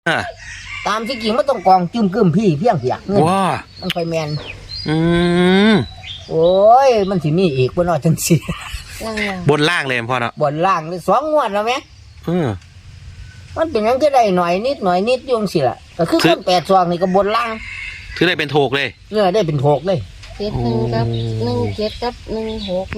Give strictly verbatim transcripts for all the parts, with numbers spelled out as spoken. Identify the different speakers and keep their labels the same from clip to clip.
Speaker 1: อ่า
Speaker 2: ตามที่จริงมันต้องกองจุ่มกึ้มพี่เพียงเพียกเงิน
Speaker 1: ว้า
Speaker 2: มันไฟแมน
Speaker 1: อืม
Speaker 2: โอ้ยมันสิมีอีกบ่เนาะจังซี่
Speaker 1: บนล่างเลยพ่อเนาะ
Speaker 2: บนล่างนี่สองงวดแล้วแม่
Speaker 1: เออ
Speaker 2: มันเป็นหยังก็ได้หน่อยนิดหน่อยนิดอยู่จังซี่ล่ะก็คือคนแปดซองนี่ก็บนล่าง
Speaker 1: ถือได้เป็นโถกเลย
Speaker 2: เออได้เป็นโถกเลย
Speaker 3: เจ็ดหนึ่งกับหนึ่งเจ็ดกับหนึ่งหก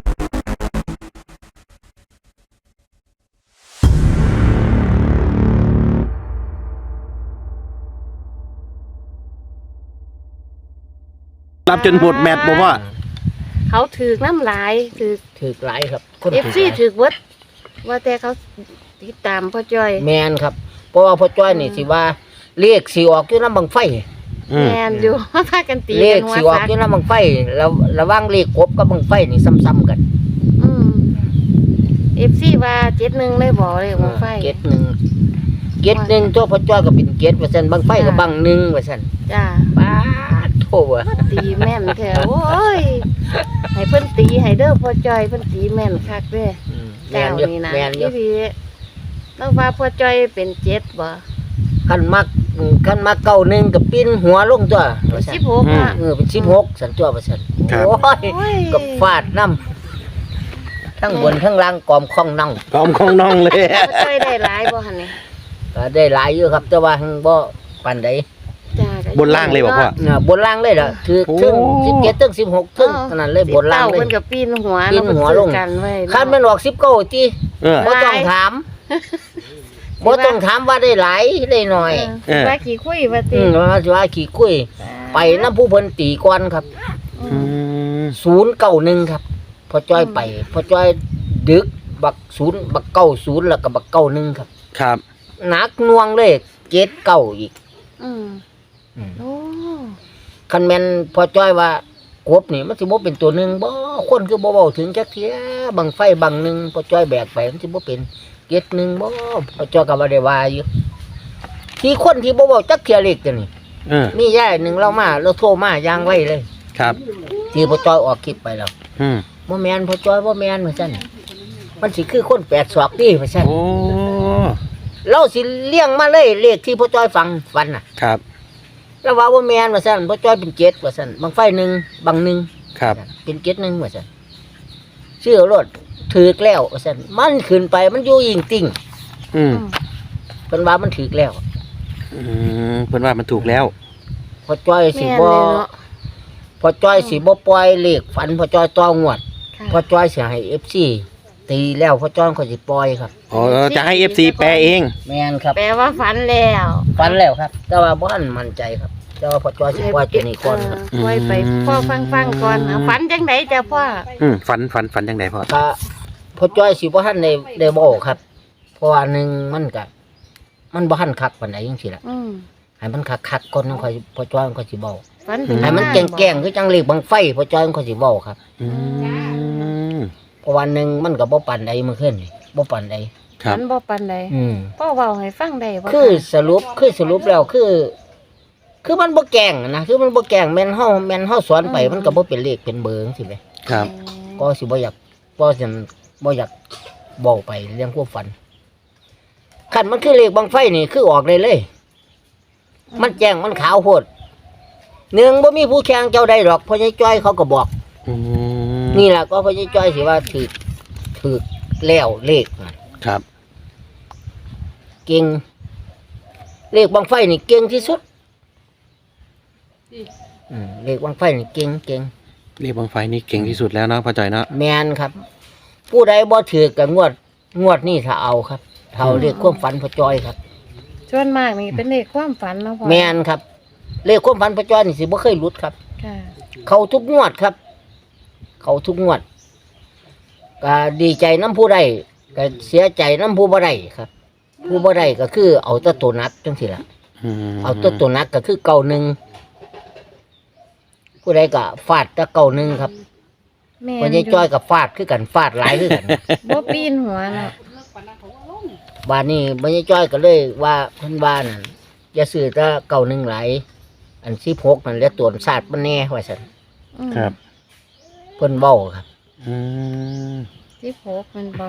Speaker 1: รับจนหมดแมตช์บอกว่า
Speaker 3: เขาถือน้ำลายถือ
Speaker 2: ถือหลายครับ
Speaker 3: เอฟซีถือวัดว่าแต่เขาติดตามพ่อจ้อย
Speaker 2: แมนครับเพราะว่าพ่อจ้อยนี่สิว่าเลขสิออกอยู่นำบังไฟ
Speaker 3: แมนอยู่พากันตี
Speaker 2: เลขสิออกอยู่นำบังไฟแล้วระวังเลขกบกับบังไฟนี่ซ้ำๆกัน
Speaker 3: อืมเอฟซีว่าเจ็ดหนึ่งเลยบอกเลยบังไฟ
Speaker 2: เจ็ดหนึ่งเจ็ดหนึ่งตัวพ่อจ้อยก็เป็นเจ็ดว่าซั่นบังไฟก็บังหนึ่งว่าซั่น
Speaker 3: จ้า
Speaker 2: ป้าโธ่
Speaker 3: ตีแม่นแท้โอ้ยให้เพิ่นตีให้เด้อพ่อจ้อยเพิ่นตีแม่นคักเด้อ
Speaker 2: แม่นอยู่แม่นอยู่
Speaker 3: พี่แล้วว่าพ่อจ้อยเป็นเจ็ดบ่
Speaker 2: คันมักคันมักเก้าหนึ่งกับปิ้นหัวลงตัว
Speaker 3: สิบหกอ่ะ
Speaker 2: เออเป็นสิบหกสันตัวว่าซั่นโอ้ยกับฟาดน้ำทั้งบนทั้งล่างกอมคล้องน่อง
Speaker 1: กอมคล้องน่องเลย
Speaker 3: พ่อจ้อยได้หลายบ่หั่นนี่
Speaker 2: ก็ได้หลายอยู่ครับแต่ว่าหังบ่ปานใด
Speaker 1: บนล่างเลยบอกว่า
Speaker 2: เนี่ยบนล่างเลยเหรอคือถึงสิบเจ็ดถึงสิบหกถึงขนาดเลยบนล่างเลย
Speaker 3: เพิ่นก็ปีนหัว
Speaker 2: ปีนหัวลงคันมันออกสิบเก้าติบ่ต้องถามบ่ต้องถามว่าได้หลายได้น้อย
Speaker 3: ว่าขี้คุยว่าติ
Speaker 2: อืมว่าว่าขี้คุยไปนำผู้เพิ่นตีก่อนครับ
Speaker 1: อืม
Speaker 2: ศูนย์เก้าหนึ่งครับพอจ้อยไปพอจ้อยดึกบักศูนย์บักเก้าศูนย์แล้วก็บักเก้าหนึ่งครับ
Speaker 1: ครับ
Speaker 2: หนักน่วงเลยเจ็ดเก้าอีก
Speaker 3: อืมโอ้
Speaker 2: คันแม่นพอจ้อยว่ากบนี่มันสิบ่เป็นตัวหนึ่งบ่คนคือบ่เว้าถึงจักเที่ยบังไฟบังหนึ่งพอจ้อยแบกไปมันสิบ่เป็นเจ็ดหนึ่งบ่พอจ้อยก็บ่ได้ว่าอยู่ที่คนที่บ่เว้าจักเที่ยเลขจังนี่
Speaker 1: เออ
Speaker 2: มียายหนึ่งเรามาเราโทรมาอย่างไว้เลย
Speaker 1: ครับ
Speaker 2: ที่พอจ้อยออกคลิปไปแล้ว
Speaker 1: อืม
Speaker 2: บ่แม่นพอจ้อยบ่แม่นว่าซั่นมันสิคือคนแปดศอกติว่าซั่น
Speaker 1: โอ้
Speaker 2: เราสิเลี้ยงมาเลยเลขที่พ่อจ้อยฟังฟันน่ะ
Speaker 1: ครับ
Speaker 2: แล้วว่าว่าแม่นว่าซั่นพ่อจ้อยเป็นเจ็ดว่าซั่นบางไฟหนึ่งบางหนึ่ง
Speaker 1: ครับ
Speaker 2: เป็นเจ็ดหนึ่งว่าซั่นชื่อรถถือแล้วว่าซั่นมันขึ้นไปมันอยู่ยิงติ่ง
Speaker 1: อืม
Speaker 2: เพิ่นว่ามันถือแล้ว
Speaker 1: อืมเพิ่นว่ามันถูกแล้ว
Speaker 2: พ่อจ้อยสิบ่พ่อจ้อยสิบ่ปล่อยเลขฝันพ่อจ้อยต่องวดพ่อจ้อยสิให้ เอฟ ซี ตีแล้วพ่อจ้อยก็สิปล่อยครับ
Speaker 1: อ๋อจะให้ เอฟ ซี แปลเอง
Speaker 2: แม่นครับ
Speaker 3: แปลว่าฝันแล้ว
Speaker 2: ฝันแล้วครับแต่ว่าบ่ทันมั่นใจครับแต่ว่าพ่อจ้อยสิปล่อยตัวนี้ก่อนครับ
Speaker 3: ปล่อยไปพ่อฟังๆก่อนฝันจังได๋จ้ะพ่อ
Speaker 1: อืมฝันฝันฝันจังได๋พ่อ
Speaker 2: ถ้าพ่อจ้อยสิบ่ทันได้ได้บอกครับเพราะว่าหนึ่งมันก็มันบ่ทันคักปานใดจังซี่ล่ะ
Speaker 3: อืม
Speaker 2: ให้มันคักๆก่อนจังค่อยพ่อจ้อยมันก็สิเว้า
Speaker 3: ฝัน
Speaker 2: ให้มันแกล้งๆคือจังเลขบังไฟพ่อจ้อยมันก็สิเว้าครับ
Speaker 1: อืม
Speaker 2: เพราะวันหนึ่งมันก็บ่ปานใดเมื่อคืนนี่บ่ปานใด
Speaker 3: มันบ่ปานใด
Speaker 2: อืม
Speaker 3: พ่อเว้าให้ฟังได้บ่
Speaker 2: คือสรุปคือสรุปแล้วคือ คือมันบ่แกล้งนะคือมันบ่แกล้งแม่นเฮาแม่นเฮาสอนไปมันก็บ่เป็นเลขเป็นเบอร์จังซี่แหม
Speaker 1: ครับ
Speaker 2: ก็สิบ่อยากบ่สิบ่อยากเว้าไปเรื่องความฝันคันมันคือเลขบังไฟนี่คือออกได้เลยมันแจ้งมันขาวโพดหนึ่งบ่มีผู้แข่งเจ้าใดดอกพ่อใหญ่จ้อยเขาก็บอก
Speaker 1: อืม
Speaker 2: นี่ล่ะก็พ่อใหญ่จ้อยสิว่าถูกถูกแล้วเลข
Speaker 1: ครับ
Speaker 2: เก่งเลขบังไฟนี่เก่งที่สุดอืมเลขบังไฟนี่เก่งเก่ง
Speaker 1: เลขบังไฟนี่เก่งที่สุดแล้วเนาะพ่อจ้อยเนาะ
Speaker 2: แม่นครับผู้ใดบ่ถือก็งวดงวดนี่ถ้าเอาครับเท่าเลขความฝันพ่อจ้อยครับ
Speaker 3: ส่วนมากนี่เป็นเลขความฝันเนาะพ่อ
Speaker 2: แม่นครับเลขความฝันพ่อจ้อยนี่สิบ่เคยหลุดครับ
Speaker 3: ค่ะ
Speaker 2: เข้าทุกงวดครับเข้าทุกงวดก็ดีใจนำผู้ใดก็เสียใจนำผู้บ่ได้ครับผู้บ่ได้ก็คือเอาแต่ตัวนักจังซี่ล่ะเอาแต่ตัวนักก็คือเก้าหนึ่งผู้ใดก็ฟาดแต่เก้าหนึ่งครับพ่อใหญ่จ้อยก็ฟาดคือกันฟาดหลายคือกัน
Speaker 3: บ่ปีนหัวเนาะ
Speaker 2: บ้านนี้พ่อใหญ่จ้อยก็เลยว่าเพิ่นว่านั่นอย่าซื้อแต่เก้าหนึ่งหลายอันสิบหกนั่นแหละตัวศาสตร์มันแน่ว่าซั่น
Speaker 1: ครับ
Speaker 2: เพิ่นเว้าครับ
Speaker 1: อืม
Speaker 3: สิบหกมันบ่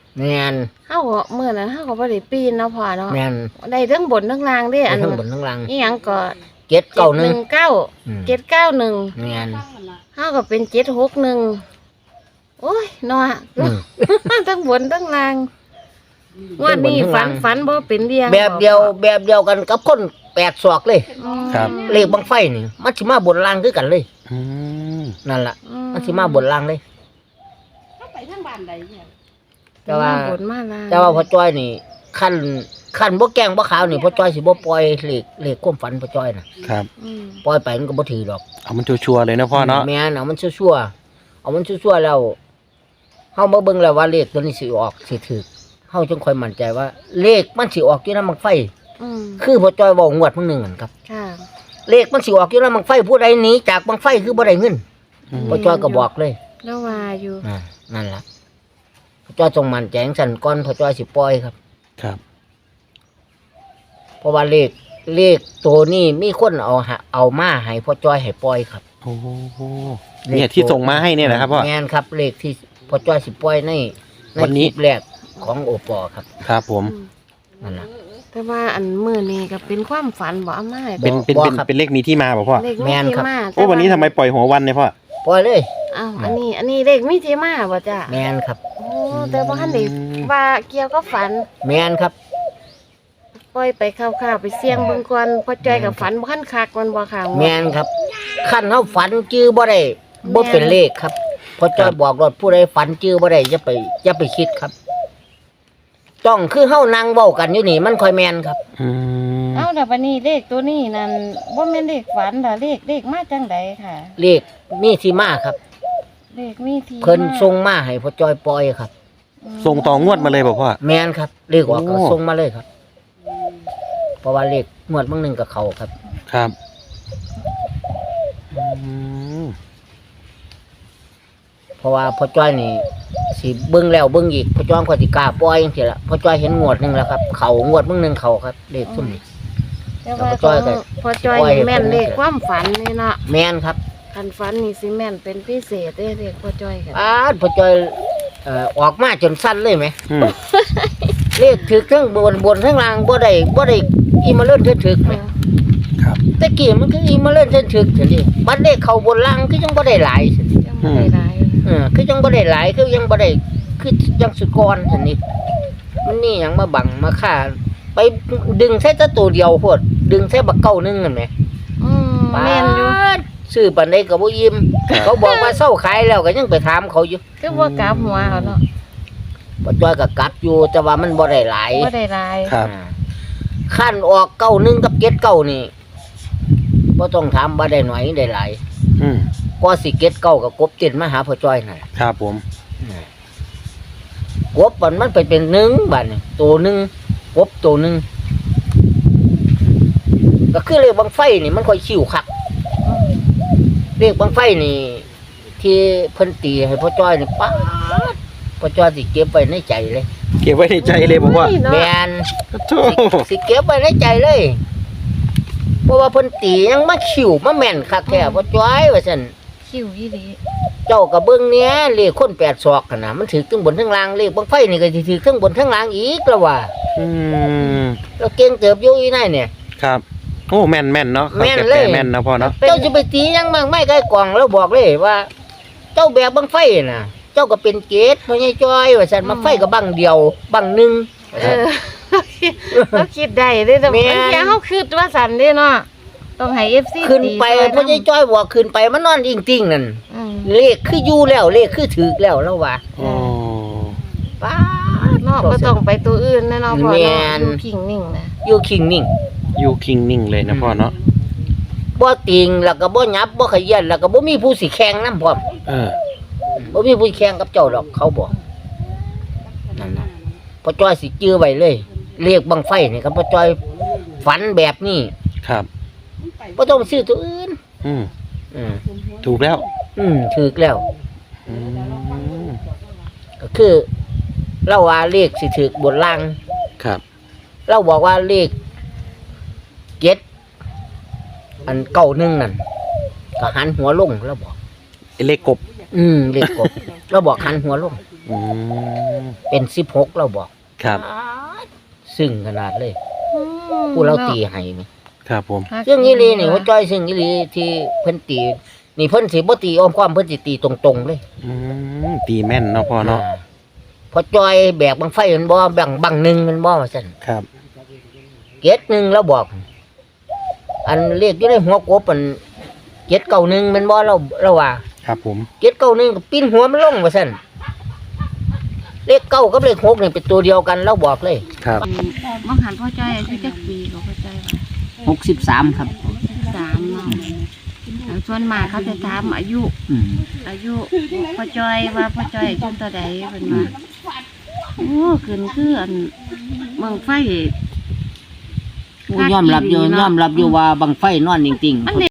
Speaker 2: แม่น
Speaker 3: เฮาก็มื้อนั้นเฮาก็บ่ได้ปีนเนาะพ่อเนาะ
Speaker 2: แม่น
Speaker 3: ได้ทั้งบนทั้งล่างเด้อัน
Speaker 2: ทั้งบนทั้งล่าง
Speaker 3: อีหยังก็
Speaker 2: เจ็ดเก้าหนึ่ง
Speaker 3: เก้า
Speaker 2: อืม
Speaker 3: เจ็ดเก้าหนึ่ง
Speaker 2: แม่น
Speaker 3: เฮาก็เป็นเจ็ดหกหนึ่งโอ้ยเนาะ
Speaker 2: อืม
Speaker 3: ทั้งบนทั้งล่างงวันนี้
Speaker 2: ทั้งบนทั้
Speaker 3: ฝั
Speaker 2: ง
Speaker 3: น
Speaker 2: ล่าง
Speaker 3: ฝันบ่เป็นเรียง
Speaker 2: แบบเดียวแบบเดียวกันกับคนแปดศอกเลย
Speaker 3: อืม
Speaker 1: ครับ
Speaker 2: เลขบังไฟนี่มันสิมาบนล่างคือกันเลย
Speaker 1: อืม
Speaker 2: นั่นล่ะ
Speaker 3: อื
Speaker 2: มันสิมาบนล่างเลย
Speaker 4: ไปทางบ้านใดเนี่ย
Speaker 2: แต่ว่า
Speaker 3: บนมาล่าง
Speaker 2: แต่ว่าพ่อจ้อยนี่ขั้นขั้นบ่แกล้งบ่ขาวนี่พ่อจ้อยสิบ่ปล่อยเลขเลขความฝันพ่อจ้อยน่ะ
Speaker 1: ครับ
Speaker 3: อืม
Speaker 2: ปล่อยไปมันก็บ่ถือดอก
Speaker 1: เอามันชัวร์ๆเลยนะพ่อเนาะ
Speaker 2: แม่นเอามันชั่วๆเอามันชั่วๆแล้วเฮามาเบิ่งแล้วว่าเลขตัวนี้สิออกสิถูกเฮาจึงค่อยมั่นใจว่า เลขมันสิออกอยู่นำบังไฟ
Speaker 3: อืม
Speaker 2: คือพ่อจ้อยเว้างวดมื้อหนึงนั่นครับ
Speaker 3: ค่ะ
Speaker 2: เลขมันสิออกอยู่นำบังไฟผู้ใดหนีจากบังไฟคือบ่ได้เงิน
Speaker 1: อืม
Speaker 2: พ่อจ้อยก็บอกเลย
Speaker 3: แล้วว่าอยู่
Speaker 2: อ่านั่นล่ะพ่อจ้อยจงมั่นใจจังซั่นก่อนพ่อจ้อยสิปล่อยครับ
Speaker 1: ครับ
Speaker 2: เพราะว่าเลขเลขตัวนี้มีคนเอาหาเอามาให้พ่อจ้อยให้ปล่อยครับ
Speaker 1: โอ้โหเนี่ยที่ส่งมาให้เนี่ยนะครับพ่อ
Speaker 2: แม่นครับ เลขที่พ่อจ้อยสิปล่อยในใน
Speaker 1: วันนี้
Speaker 2: คลิปแรกของโอปอครับ
Speaker 1: ครับผม
Speaker 3: อืม
Speaker 2: นั่นล่ะ
Speaker 3: แต่ว่าอันมื้อนี้ก็เป็นความฝันบ่เอามาให้
Speaker 1: เป็นเป็น
Speaker 2: บอก
Speaker 1: เป็น
Speaker 2: ครับ
Speaker 1: เป็นเลขมีที่มาเปล่าพ่อ
Speaker 3: เลข
Speaker 2: แม่
Speaker 3: มี
Speaker 2: น
Speaker 3: ที่
Speaker 2: ครับ
Speaker 3: มา
Speaker 1: โอ้วันนี้ทำไมปล่อยหัววันเนี่ยพ่อ
Speaker 2: ปล่อยเลย
Speaker 3: อ้าวอันนี้อันนี้เลขมีที่มาบ่จ้ะ
Speaker 2: แม่นครับ
Speaker 3: โอ้แต่บ่ทันได้ว่าเกี่ยวกับฝัน
Speaker 2: แม่นครับ
Speaker 3: ปล่อยไปคร่าวๆไปเสี่ยงเบิ่งก่อนพอใจกับฝันบ่ทันคักมันบ่ค่ะ
Speaker 2: แม่นครับคันเฮาฝันจื้อบ่ได้บ่เป็นเลขครับพ่อจ้อยบอกรถผู้ใดฝันจื้อบ่ได้อย่าไปอย่าไปคิดครับ ต้องคือเฮานั่งเว้ากันอยู่นี่มันค่อยแม่นครับ
Speaker 1: อืม
Speaker 3: เอ้าแต่วันนี้เลขตัวนี้นั่นบ่แม่นเลขฝันดอกเลขเลขมาจังไดค่ะ
Speaker 2: เลขมีที่มาครับ
Speaker 3: เลขมีที่
Speaker 2: เพิ่น
Speaker 3: มา
Speaker 2: ส่งมาให้พ่อจ้อยปล่อยครับ
Speaker 1: ส่งต่องวดมาเลยเปล่าพ่อ
Speaker 2: แม่นครับเลขออกก็
Speaker 1: โอ้
Speaker 2: ส่งมาเลยครับ เพราะว่าเลขงวดบางหนึงกับเขาครับ
Speaker 1: ครับอืม
Speaker 2: เพราะว่าพ่อจ้อยนี่สิเบิ่งแล้วเบิ่งอีกพ่อจ้อยก็สิกล้าปล่อยจังซี่ล่ะพ่อจ้อยเห็นงวดหนึงแล้วครับ เขางวดบางหนึงเขาครับเลขซุ่มนี้
Speaker 3: แต่ว่า
Speaker 2: แล้วพอจ้อยก็
Speaker 3: พอจอย
Speaker 2: ปล่อย
Speaker 3: นี่แม่น
Speaker 2: เพิ่น
Speaker 3: เลขความฝันนี่เนาะ
Speaker 2: แม่นครับ
Speaker 3: คันฝันนี่สิแม่นเป็นพิเศษเด้เลขพอจอยค่ะ
Speaker 2: อ้าดพ่อจ้อยเอ่อออกมาจนสั้นเลยไหม
Speaker 1: อืม
Speaker 2: เลขถึกทั้งบนบนทั้งล่างบ่ได้บ่ได้อีมาเล่นถึกๆไหม
Speaker 1: ครับ
Speaker 2: แต่กี้มันก็อีมาเล่นถึกๆซั่นดิบัดเลขเข้าบนล่างคือจังบ่ได้หลายซั่น
Speaker 3: ยังบ่ได้หลาย
Speaker 2: เออคือจังบ่ได้หลายคือยังบ่ได้คือยังสุดก่อนซั่นนี่มันนี่หยังมาบังมาฆ่าไปดึงใส่แตะตัวเดียวโพดดึงใส่บักเก้าหนึงนั่นแหม
Speaker 3: อืมแม่นอยู่
Speaker 2: ซื้อปานใดก็บ่ยิ้มเขาบอกว่าเซาขายแล้วก็ยังไปถามเขาอยู่
Speaker 3: คือบ่กลับหัวเอาเนาะ
Speaker 2: บ่จ้อยก็กลับอยู่แต่ว่ามันบ่ได้หลาย
Speaker 3: บ่ได้หลาย
Speaker 1: ครับ
Speaker 2: อ่าขั้นออกเก้าหนึงกับเก็ดเก้านี่บ่ต้องถามว่าได้หน่อยได้หลาย
Speaker 1: อืม
Speaker 2: ก็สิเก็ดเก้ากับกบเต้นมาหาพ่อจ้อยนั่นล่ะ
Speaker 1: ครับผม
Speaker 2: กบมันมันไปเป็นหนึ่งบัดนี่ตัวหนึงกบตัวหนึงก็คือเลขบังไฟนี่มันค่อยชิวคักเลขบังไฟนี่ ที่เพิ่นตีให้พ่อจ้อยนี่ป๊าดพ่อจ้อยสิเก็บไว้ในใจเลย
Speaker 1: เก็บไว้ในใจเลยผมว่า
Speaker 3: โอ้ยเนาะ
Speaker 2: แม่น
Speaker 1: โธ่
Speaker 2: สิเก็บไว้ในใจเลย เพราะว่าเพิ่นตียังมาขิวมาแม่นคักแท้พ่อจ้อยว่าซั่น
Speaker 3: คิวอีหลี
Speaker 2: เจ้าก็เบิ่งเนี้ยเลขคนแปดศอกกันน่ะมันถือทั้งบนทั้งล่างเลขบังไฟนี่ก็สิถือทั้งบนทั้งล่างอีกแล้วว่า
Speaker 1: อืม
Speaker 2: เราเก่งเติบอยู่อีนั่นเนี่ย
Speaker 1: ครับ โอ้แม่นแม่นเนาะ
Speaker 2: แม่น
Speaker 1: ขา
Speaker 2: เลย
Speaker 1: แม่นนะพ่อเนาะ
Speaker 2: เจ้าจะไปตียังมั่งไม่ใกล้กล่องแล้วบอกเลยว่า เจ้าแบบบังไฟน่ะ เจ้าก็เป็นเกตพ่อใหญ่จ้อยว่าซั่นบังไฟก็บังเดียวบังหนึง
Speaker 3: เออเราคิดได้เด้แต่
Speaker 2: แม่
Speaker 3: บาง
Speaker 2: น
Speaker 3: ทีเฮาคิดว่าสั่นเด้เนาะต้องให้ เอฟ ซี
Speaker 2: ขึ้นไป
Speaker 3: ตีช่วย
Speaker 2: พ่อใหญ่จ้อยบอกขึ้นไปมันนอนอิงติ่งนั่น
Speaker 3: อืม
Speaker 2: เลขคืออยู่แล้วเลขคือถือแล้วแล้วว่า
Speaker 1: โอ้
Speaker 2: ป้าด
Speaker 3: เนาะบ่ต้องไปตัวอื่นแน่เนาะพ่อ
Speaker 2: แม่
Speaker 3: เนาะ
Speaker 2: น
Speaker 3: อยู่พิงนิ่งนะ
Speaker 2: อยู่คิงนิ่ง
Speaker 1: อยู่คิงนิ่งเลยนะพ่อเนาะ
Speaker 2: บ่ติงแล้วก็บ่หยับบ่ขยันแล้วก็บ่มีผู้สิแข่งนำพร้อม
Speaker 1: เออ
Speaker 2: บ่มีผู้แข่งกับเจ้าดอกเขาบอกนั่นน่ะพ่อจ้อยสิจื้อไว้เลยเรียกบังไฟนี่ครับพ่อจ้อยฝันแบบนี้
Speaker 1: ครับ
Speaker 2: บ่ต้องไปซื้อตัวอื่น
Speaker 1: อืม
Speaker 2: อืม
Speaker 1: ถูกแล้ว
Speaker 2: อืมถูกแล้ว
Speaker 1: อืม
Speaker 2: ก็คือเราว่าเลขสิถูกบนล่าง
Speaker 1: ครับ
Speaker 2: เราบอกว่าเลขเจ็ดอันเก้าหนึ่งนั่นก็หันหัวลงเราบอก
Speaker 1: ไอ้เลขกบ
Speaker 2: อืมเลขกบ เราบอกหันหัวลง
Speaker 1: ออืม
Speaker 2: เป็นสิบหกเราบอก
Speaker 1: ครับ
Speaker 2: ซึ่งขนาดเลยผู้เราตีให้นี่
Speaker 1: ครับผม
Speaker 2: ซึ่งอีหลีนี่หัวจ้อยซึ่งอีหลีที่เพิ่นตีนี่เพิ่นสิบ่ตีอ้อมความเพิ่นสิตีตรงๆเลย
Speaker 1: อืมตีแม่นเนาะพ่อเนาะ
Speaker 2: อ่าพอจ้อยแบกบังไฟมันบ่แบ่งบังหนึงมันบ่ว่าซั่น
Speaker 1: ครับ
Speaker 2: เจ็ดหนึ่งแล้วบอก อันเลขอยู่ในหัวกบมันเจ็ดเก้าหนึ่งมันบ่เราเราว่า
Speaker 1: ครับผม
Speaker 2: เจ็ดเก้าหนึ่งก็ปิ้นหัวมันลงว่าซั่นเลขเก้ากับเลขหกนี่เป็นตัวเดียวกันเราบอกเลย
Speaker 1: ครับ
Speaker 3: มังหันพ่อจ้อยอายุจักปีก็พ่อจ้อยว่า
Speaker 2: หกสิบสามครับ
Speaker 3: สามเนาะแล้วส่วนมากเขาจะถามอายุ
Speaker 2: อืม
Speaker 3: อายุพ่อจ้อยว่าพ่อจ้อยอายุเท่าใดเพิ่นว่าโอ้ขึ้นคืออันเมืองไฟ
Speaker 2: โอ้ยอมรับอยู่ยอมรับอยู่ว่าบังไฟนอนจริงๆ